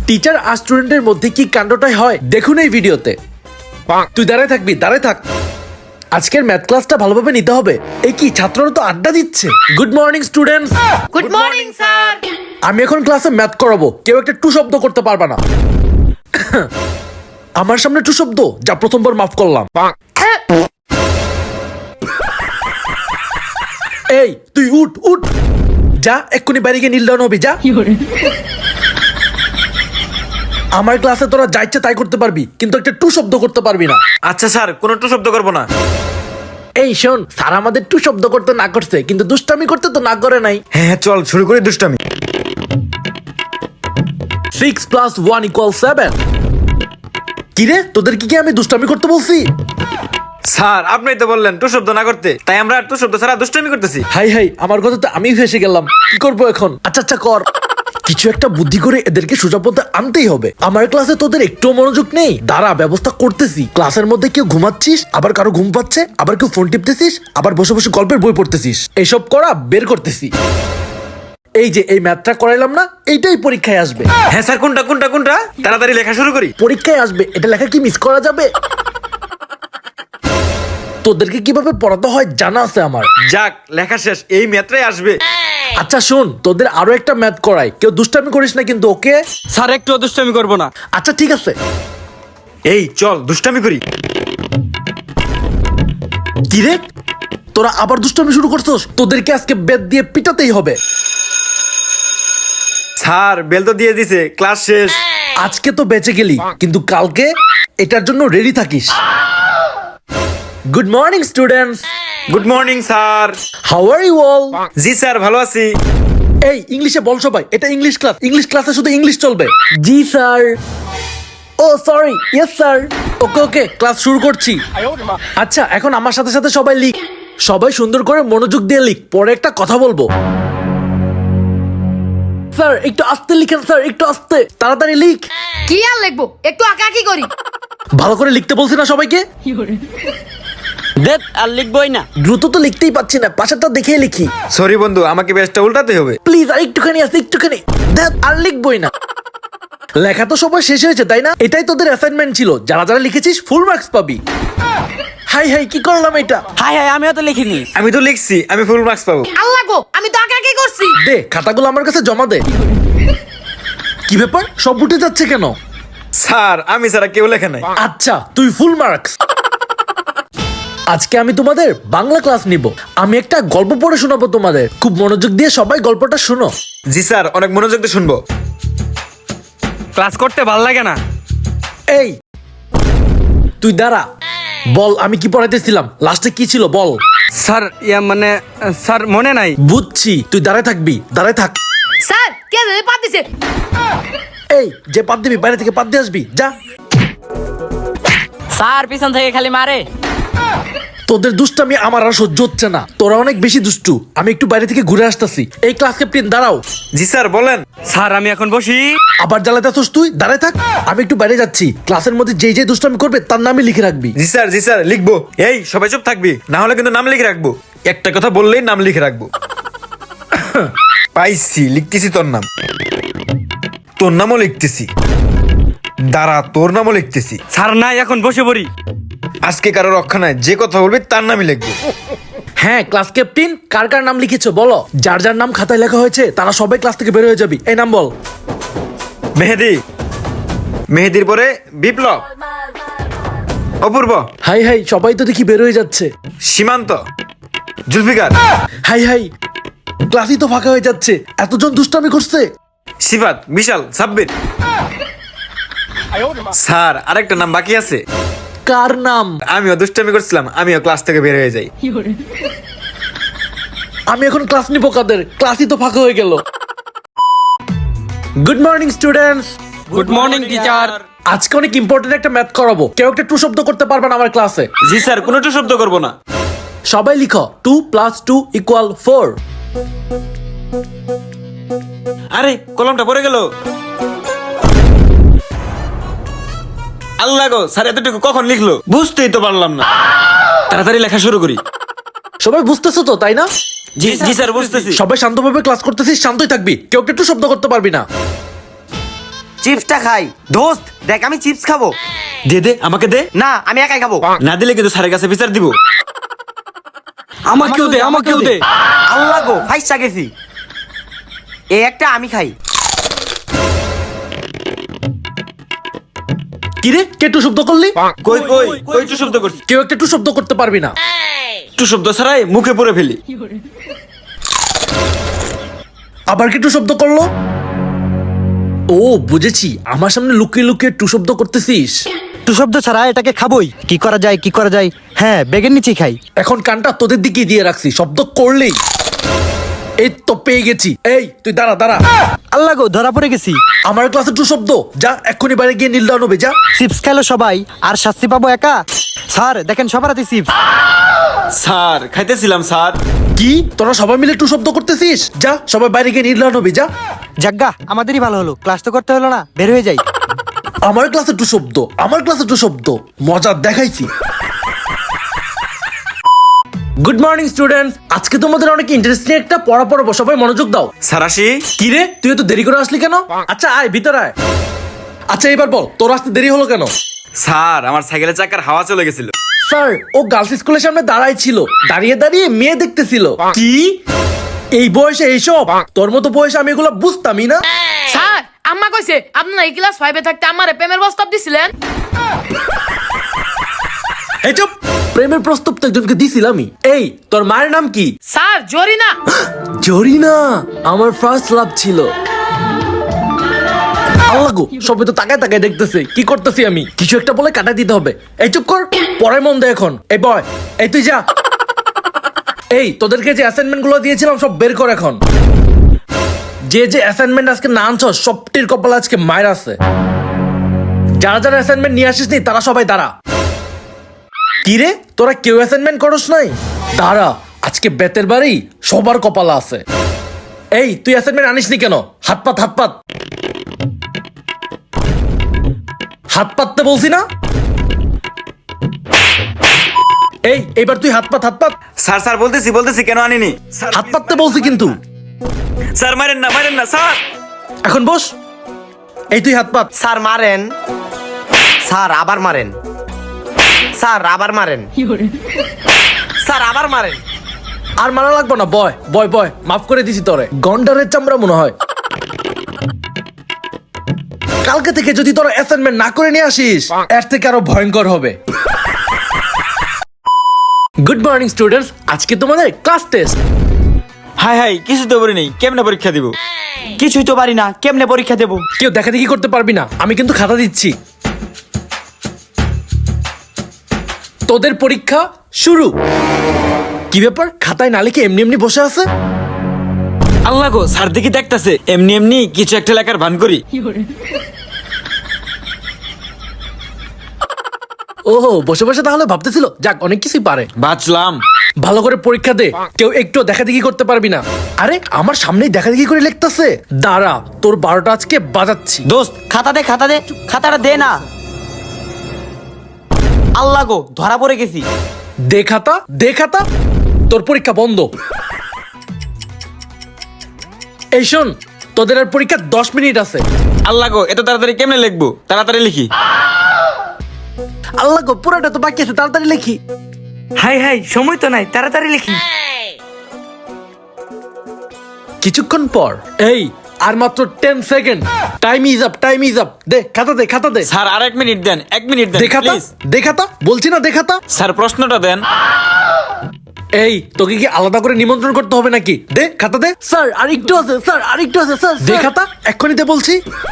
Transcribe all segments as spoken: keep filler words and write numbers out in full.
Teacher আর স্টুডেন্টের মধ্যে কি কাণ্ডটাই হয় দেখুন এই ভিডিওতে। তুই দাঁড়ায় থাকবি, দাঁড়ায় থাক। আজকের ম্যাথ ক্লাসটা ভালোভাবে নিতে হবে। এই কি ছাত্ররা তো আড্ডা দিচ্ছে। Good morning students. Good morning sir. আমি এখন ক্লাসে ম্যাথ করাবো, কেউ একটা টু শব্দ করতে পারবে না। আমার সামনে টু শব্দ, যা প্রথমবার মাফ করলাম। এই তুই উঠ উঠ, যা এক্ষুনি বাইরে গিয়ে নীল ডাউন হবি, যা। আমার ক্লাসে তোরা যা ইচ্ছে তাই করতে পারবি, কিন্তু একটা টু শব্দ করতে পারবি না। আচ্ছা স্যার, কোনো টু শব্দ করবো না। এই শোন, স্যার আমাদের টু শব্দ করতে না করছে, কিন্তু দুষ্টামি করতে তো না করে নাই। হ্যাঁ হ্যাঁ, চল শুরু করি দুষ্টামি। Six plus one equal seven. কিরে, তোদের কি কি আমি দুষ্টামি করতে বলছি? স্যার আপনিই তো বললেন টু শব্দ না করতে, তাই আমরা টু শব্দ ছাড়া দুষ্টামি করতেছি। হাই হাই, আমার কথা তো আমি ফেসে গেলাম। কি করবো এখন? আচ্ছা আচ্ছা কর, কিছু একটা বুদ্ধি করে এদেরকে সোজা পথে আনতেই হবে। আমার ক্লাসে তোদের একটু মনোযোগ নেই। দাঁড়া, ব্যবস্থা করতেছি। ক্লাসের মধ্যে কেউ ঘুমাচ্ছিস, আবার কারো ঘুম পাচ্ছে, আবার কেউ ফোন টিপতেছিস, আবার বসে বসে গল্পের বই পড়তেছিস। এইসব করা বের করতেছি। এই যে এই ম্যাথটা করাইলাম না, এইটাই পরীক্ষায় আসবে। হ্যাঁ স্যার, কোনটা কোনটা কোনটা? তাড়াতাড়ি লেখা শুরু করি। পরীক্ষায় আসবে, এটা লেখা কি মিস করা যাবে? তোদেরকে কিভাবে পড়াতে হয় জানা আছে আমার। যাক, লেখা শেষ, এই ম্যাথটাই আসবে। আচ্ছা শোন, তোদের আরো একটা ম্যাথ করাই, কেউ দুষ্টামি করিস না কিন্তু, ওকে? স্যার একটু দুষ্টামি করবো না। আচ্ছা ঠিক আছে। এই চল দুষ্টামি করি। কি রে, তোরা আবার দুষ্টামি শুরু করছস? তোদেরকে আজকে বেদ দিয়ে পিটাতেই হবে। স্যার বেল তো দিয়ে দিছে, ক্লাস শেষ। আজকে তো বেঁচে গেলি, কিন্তু কালকে এটার জন্য রেডি থাকিস। Good morning students. Good morning sir. How are you all? জি স্যার, ভালো আছি। এই ইংলিশে বল সবাই, এটা ইংলিশ ক্লাস। ইংলিশ ক্লাসে শুধু ইংলিশ চলবে। জি স্যার। ও sorry, yes sir. Okay okay, class শুরু করছি। আচ্ছা এখন আমার সাথে সাথে সবাই লিখ। সবাই সুন্দর করে মনোযোগ দিয়ে লিখ, পরে একটা কথা বলবো। স্যার একটু আস্তে লিখেন, স্যার একটু আস্তে, তাড়াতাড়ি লিখ। কি আর লিখবো, একটু আঁকাআঁকি করি। ভালো করে লিখতে বলছি না সবাইকে? দেখ আর লিখবই না। দ্রুত তো লিখতেই পাচ্ছি না, পাশেরটা দেখেই লিখি। সরি বন্ধু, আমাকে বেশটা উল্টাতে হবে। প্লিজ আর একটুখানি আছে, একটুখানি। দেখ আর লিখবই না। লেখা তো সবাই শেষ হয়েছে তাই না? এটাই তোদের অ্যাসাইনমেন্ট ছিল, যারা যারা লিখেছিস ফুল মার্কস পাবি। হাই হাই, কি করলাম এটা? হাই হাই, আমিও তো লিখিনি। আমি তো লিখছি, আমি ফুল মার্কস পাবো। আল্লাহ গো, আমি তো আঁকাআঁকি করছি। দে খাতাগুলো আমার কাছে জমা দে। কি ব্যাপার, সব উঠে যাচ্ছে কেন? স্যার আমি ছাড়া কেউ লেখে নাই। আচ্ছা তুই ফুল মার্কস। আজকে আমি তোমাদের বাংলা ক্লাস নিব। আমি একটা গল্প পড়ে শোনাবো তোমাদের, খুব মনোযোগ দিয়ে সবাই গল্পটা শোনো। জি স্যার, অনেক মনোযোগ দিয়ে শুনবো। ক্লাস করতে ভাল লাগে না। এই তুই দাঁড়া, বল আমি কি পড়াইতেছিলাম, লাস্টে কি ছিল বল। স্যার ইয়া মানে স্যার মনে নাই। বুঝছি, তুই দাঁড়ায় থাকবি, দাঁড়ায় থাক। স্যার কে জানে পাত দিছে। এই যে পাত দিবি, বাইরে থেকে পাত দিয়ে আসবি, যা। স্যার পিছন থেকে খালি মারে। তোদের দুষ্টামি আমার আর সহ্য হচ্ছে না, তোরা অনেক বেশি দুষ্টু। আমি একটু বাইরে থেকে ঘুরে আসতেছি। এই ক্লাস ক্যাপ্টেন দাঁড়াও। জি স্যার বলেন। স্যার আমি এখন বসি। আবার জ্বালাতেছস তুই, দাঁড়ায় থাক। আমি একটু বাইরে যাচ্ছি, ক্লাসের মধ্যে যেই যে দুষ্টামি করবে তার নামই লিখে রাখবি। জি স্যার জি স্যার, লিখবো। এই সবাই চুপ থাকবি, না হলে কিন্তু নাম লিখে রাখবো। একটা কথা বললেই নাম লিখে রাখবো। পাইছি, লিখতেছি তোর নাম। তোর নামও লিখতেছি। দাঁড়া, তোর নামও লিখতেছি। স্যার নাই, এখন বসে পড়ি। আজকে কারো রক্ষা নাই, যে কথা বলবি তার নামই লিখবো। হ্যাঁ ক্লাস ক্যাপ্টেন, কার কার নাম লিখেছো বলো। যার যার নাম খাতায় লেখা হয়েছে তারা সবাই ক্লাস থেকে বের হয়ে যাবি। এই নাম বল। মেহেদি। মেহেদির পরে বিপ্লব। অপূর্ব। হাই হাই, সবাই তো দেখি বের হয়ে যাচ্ছে। সীমান্ত। জুলফিকার। হাই হাই, ক্লাসই তো ফাঁকা হয়ে যাচ্ছে, এতজন দুষ্টামি করছে। সিফাত। বিশাল। সাব্বির। স্যার আরেকটা নাম বাকি আছে। কার নাম? আমিও দুষ্টামি করছিলাম, আমিও ক্লাস থেকে বের হয়ে যাই। আমি এখন ক্লাস নিব কাদের? ক্লাসই তো ফাঁকা হয়ে গেল। Good morning students. Good morning teacher. আজকে অনেক ইম্পর্টেন্ট একটা ম্যাথ করাবো, কেউ একটা টু শব্দ করতে পারবেন আমার ক্লাসে? জি স্যার, কোনো টু শব্দ করবো না। সবাই লিখো, two plus two equal four. আরে কলমটা পড়ে গেল। আল্লাহ গো, স্যার এতটুকু কখন লিখলো বুঝতেই তো পারলাম না। তাড়াতাড়ি লেখা শুরু করি। সবাই বুঝতেছো তো তাই না? জি জি স্যার, বুঝতেছি। সবাই শান্তভাবে ক্লাস করতেছিস, শান্তই থাকবি, কেউ একটু শব্দ করতে পারবি না। চিপসটা খাই। দোস্ত দেখ আমি চিপস খাবো। দে দে আমাকে দে। না আমি একাই খাবো। না দিলে কিন্তু স্যারের কাছে বিচার দিব। আমাকেও দে আমাকেও দে আল্লাহ গো ফাইসা গেছি। এই একটা আমি খাই। কিরে কে টু শব্দ করলি? কই কই কই টু শব্দ করছিস? কেউ একটা টু শব্দ করতে পারবি না। টু শব্দ ছাড়াই মুখে পড়ে ফেলি। আবার কি টু শব্দ করলো? ও বুঝেছি, আমার সামনে লুকিয়ে লুকিয়ে টু শব্দ করতেছিস। টু শব্দ ছাড়া এটাকে খাবোই। কি করা যায় কি করা যায়? হ্যাঁ বেগের নিচে খাই। এখন কানটা তোদের দিকে দিয়ে রাখছি, শব্দ করলেই। এই তো পেয়ে গেছি। এই তুই দাঁড়া দাঁড়া। আল্লাহ গো ধরা পড়ে গেছি। আমার ক্লাসে টু শব্দ, যা এক্ষুনি বাইরে গিয়ে নীল ডাউন হবে যা। চিপস খেলো সবাই আর শাস্তি পাবো একা। স্যার দেখেন সবার হাতে চিপস। Sir খাইতেছিলাম sir. কি তোরা সবাই মিলে টু শব্দ করতেছিস? যা সবাই বাইরে গিয়ে নীল ডাউন হবে যা। যাজ্ঞা আমাদেরই ভালো হলো, ক্লাস তো করতে হলো না, বের হয়ে যাই। আমার ক্লাসে টু শব্দ, আমার ক্লাসে টু শব্দ, মজা দেখাইছি। গুড মর্নিং স্টুডেন্টস, আজকে তোমাদের অনেক ইন্টারেস্টিং একটা পড়া পড়াবো, সবাই মনোযোগ দাও। স্যার আসি। কি রে তুই এত দেরি করে আসলি কেন? আচ্ছা আয় ভিতরে আয়। আচ্ছা এবার বল তোর আসতে দেরি হলো কেন? স্যার আমার সাইকেলের চাকার হাওয়া চলে গেছিল। স্যার ও গার্লস স্কুলের সামনে দাঁড়াই ছিল, দাঁড়িয়ে দাঁড়িয়ে মেয়ে দেখতেছিল। কি এই বয়সে এইসব? তোর মতো বয়সে আমি এগুলো বুঝতামই না। স্যার আম্মা কইছে আপনারা এই ক্লাস ফাইভে থাকতে আমারে প্রেমের প্রস্তাব দিছিলেন। এই চুপ, প্রেমের প্রস্তাব তো একজনকে দিছিলামই। এই তোর মায়ের নাম কি? স্যার জরিনা। জরিনা আমার ফার্স্ট লাভ ছিল। আল্লাহ গো সবাই তো তাকায় তাকায় দেখতেছে, কি করতেছি আমি? কিছু একটা বলে কাটা দিতে হবে। এই চুপ কর, পরে মন দে এখন। এই বয়, এই তুই যা। এই তোদেরকে যে অ্যাসাইনমেন্ট গুলো দিয়েছিলাম সব বের কর এখন। যে যে অ্যাসাইনমেন্ট আজকে না আনছ সবটির কপাল আজকে মায়ের আছে। যারা যারা অ্যাসাইনমেন্ট নিয়ে আসিস নি তারা সবাই দাঁড়া। কি রে তোরা কেউ অ্যাসাইনমেন্ট করস নাই? দাঁড়া, আজকে বেতের বাড়ি সবার কপাল আছে। এই তুই অ্যাসাইনমেন্ট আনিস নি কেন? হাত পাত হাত পাত হাত পাততে বলছি না? এই এবার তুই হাত পাত হাত পাত স্যার স্যার বলতেছি বলতেছি কেন আনিনি? স্যার হাত পাততে বলছি কিন্তু। স্যার মারেন না মারেন না স্যার। এখন বস। এই তুই হাত পাত। স্যার মারেন। স্যার আবার মারেন। স্যার আবার মারেন। স্যার আবার মারেন। আর মারা লাগবে না, বয় বয় বয়, মাফ করে দিছি তোরে। গন্ডারের চামড়া মনে হয়। কালকে থেকে যদি তোরা অ্যাসাইনমেন্ট না করে নিয়ে আসিস এর থেকে আরো ভয়ঙ্কর হবে। গুড মর্নিং স্টুডেন্টস, আজকে তোমাদের ক্লাস টেস্ট। হাই হাই কিছু তো বলি নেই, কেমনে পরীক্ষা দিব? কিছুই তো পারি না, কেমনে পরীক্ষা দেবো? কেউ দেখা দেখি করতে পারবি না, আমি কিন্তু খাতা দিচ্ছি। তোদের পরীক্ষা শুরু। কি ব্যাপার, খাতায় না লিখে এমনি এমনি বসে আছে? আল্লাহ গো স্যার দেখি দেখতাছে এমনি এমনি কিছু একটা লেখার ভান করি। ওহো বসে বসে তাহলে ভাবতেছিল, যাক অনেক কিছুই পারে। বাঁচলাম। ভালো করে পরীক্ষা দে, কেউ একটু দেখা দেখি করতে পারবি না। আরে আমার সামনেই দেখা দেখি করে লিখতেছে। দাঁড়া তোর বারোটা আজকে বাজাচ্ছি। দোস্ত খাতা দে খাতা দে, খাতাটা দে না। আল্লাহ গো ধরা পড়ে গেছি। দে খাতা দে খাতা, তোর পরীক্ষা বন্ধ। এই শোন, তোদের আর পরীক্ষা দশ মিনিট আছে। আল্লাহ গো এত তাড়াতাড়ি কেমনে লিখবো? তাড়াতাড়ি লিখি। আল্লাহ গো পুরোটা তো বাকি আছে, তাড়াতাড়ি লিখি। হাই হাই সময় তো নাই, তাড়াতাড়ি লিখি। কিছুক্ষণ পর, এই আর মাত্র ten second, time is up time is up. দে খাতা দে খাতা দে। স্যার আর এক মিনিট দেন, এক মিনিট দেন দেখাতা প্লিজ। দেখাতা বলছি না, দেখাতা। স্যার প্রশ্নটা দেন। এই তোকে কি আলাদা করে নিমন্ত্রণ করতে হবে নাকি? দে খাতা দে। স্যার আর একটু আছে, স্যার আর একটু আছে স্যার। দে খাতা এক্ষুনি দে বলছি।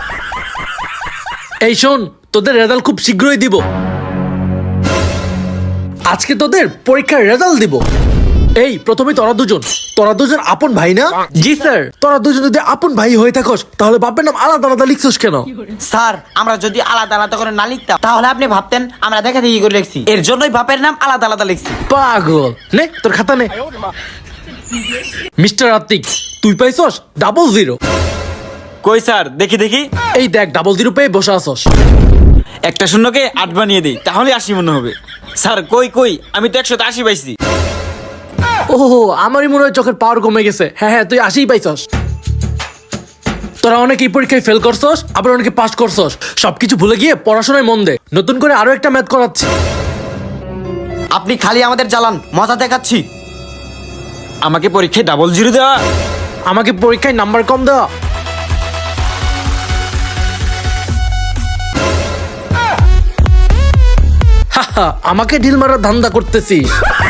এই শোন, তোদের রেজাল্ট খুব শীঘ্রই দিব। আজকে তোদের পরীক্ষার রেজাল্ট দিব। এই প্রথমে তোরা দুজন, তোরা দুজন আপন ভাই না? জি স্যার। তোরা দুজন যদি আপন ভাই হয়ে থাকস তাহলে বাপের নাম আলাদা আলাদা লিখছস কেন? স্যার আমরা যদি আলাদা আলাদা করে না লিখতাম তাহলে আপনি ভাবতেন আমরা দেখা দেখি করে লিখছি। এর জন্যই বাপের নাম আলাদা আলাদা লিখছি। পাগল, নে তোর খাতা নে। মিস্টার আতিক তুই পাইছস ডাবল জিরো। কই স্যার দেখি দেখি। এই দেখ ডাবল জিরো পেয়ে বসে আসস। একটা শূন্যকে আট বানিয়ে দিই তাহলে আশি মনে হবে। স্যার কই কই, আমি তো একশো আশি পাইছি। ওহো আমারই মনে হয় চোখের পাওয়ার কমে গেছে। হ্যাঁ হ্যাঁ তুই আশিই পাইছস। তোরা অনেকে এই পরীক্ষায় ফেল করছস, আবার অনেকে পাস করছস। সবকিছু ভুলে গিয়ে পড়াশোনায় মন দে। নতুন করে আরো একটা ম্যাথ করাচ্ছি। আপনি খালি আমাদের জ্বালান, মজা দেখাচ্ছি। আমাকে পরীক্ষায় ডাবল জিরো দেওয়া। আমাকে পরীক্ষায় নাম্বার কম দেওয়া। হাহা, আমাকে ঢিল মারার ধান্দা করতেছিস।